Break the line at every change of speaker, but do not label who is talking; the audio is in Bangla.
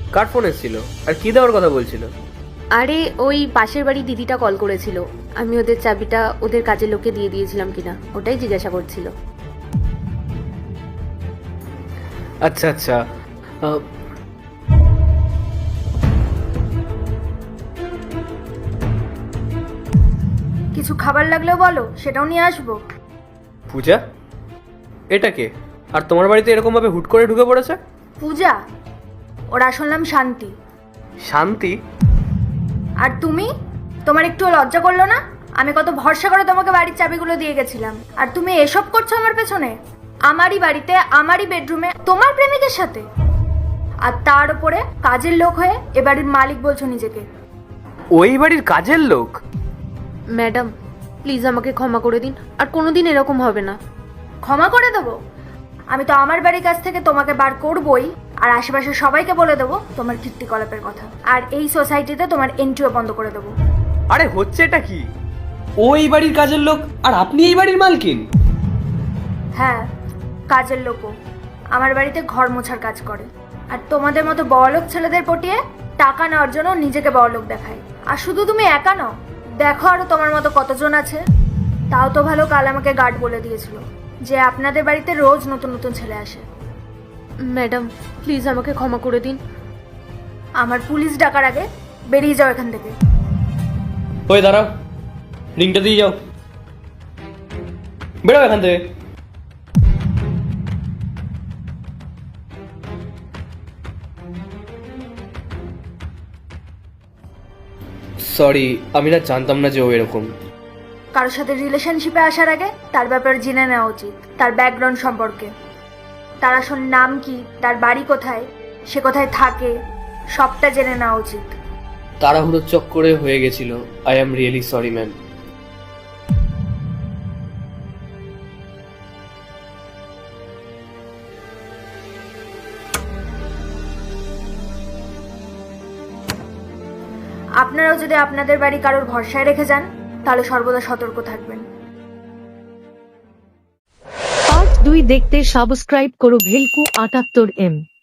কার ফোন এসেছিল আর কি দেওয়ার কথা বলছিল?
আরে ওই পাশের বাড়ি দিদিটা কল করেছিল, আমি ওদের চাবিটা ওদের কাজের লোককে দিয়ে দিয়েছিলাম কিনা ওটাই জিজ্ঞাসা করছিল।
আচ্ছা আচ্ছা। আহ,
কিছু খাবার লাগলেও বলো, সেটাও নিয়ে আসবো।
পূজা, এটা কে? আর তোমার বাড়িতে এরকম ভাবে হুট করে ঢুকে পড়েছে?
পূজা, ওর আসল নাম শান্তি।
শান্তি?
আর তুমি, তোমার একটু লজ্জা করলো না? আমি কত ভরসা করে তোমাকে বাড়ির চাবিগুলো দিয়ে গেছিলাম, আর তুমি এসব করছো আমার পেছনে, আমারই বাড়িতে আমারই বেডরুমে তোমার প্রেমিকের সাথে, আর তার উপরে কাজের লোক হয়ে এ বাড়ির মালিক বলছো নিজেকে।
ওই বাড়ির কাজের লোক?
ম্যাডাম প্লিজ আমাকে ক্ষমা করে দিন, আর কোনোদিন এরকম হবে না।
ক্ষমা করে দেবো? আমি তো আমার বাড়ির কাছ থেকে তোমাকে বার করবই, আর আশেপাশে সবাইকে বলে দেবো তোমার কীর্তিকলাপের কথা, আর এই সোসাইটিতে তোমার এন্ট্রিও বন্ধ করে দেবো।
আরে হচ্ছে এটা কি? ওই বাড়ির কাজের লোক আর আপনি এই বাড়ির মালকিন?
হ্যাঁ, কাজের লোকও আমার বাড়িতে ঘর মোছার কাজ করে, আর তোমাদের মতো বড়লোক ছেলেদের পটিয়ে টাকা নেওয়ার জন্য নিজেকে বড়লোক দেখায়। আর শুধু তুমি একা নও, দেখো আরো তোমার মতো কতজন আছে। তাও তো ভালো, কাল আমাকে গার্ড বলে দিয়েছিল যে আপনাদের বাড়িতে রোজ নতুন নতুন ছেলে আসে।
ম্যাডাম প্লিজ আমাকে ক্ষমা করে দিন।
আমার পুলিশ ডাকার আগে বেরিয়ে যাও এখান থেকে।
ওই দাঁড়াও, রিংটা দিয়ে যাও, বেরো এখান থেকে। সরি, আমি না জানতাম না যে ও এরকম।
কারোর সাথে রিলেশনশিপে আসার আগে তার ব্যাপারে জেনে নেওয়া উচিত, তার ব্যাকগ্রাউন্ড সম্পর্কে, তার আসল নাম কি, তার বাড়ি কোথায়, সে কোথায় থাকে, সবটা জেনে নেওয়া উচিত।
তাড়াহুড়োর চক্করে হয়ে গেছিল। I am really sorry ma'am.
আপনারাও যদি আপনাদের বাড়ি কারোর ভরসায় রেখে যান, তাহলে সর্বদা সতর্ক থাকবেন।
পার্ট 2 দেখতে সাবস্ক্রাইব করো ভেলকু 78M।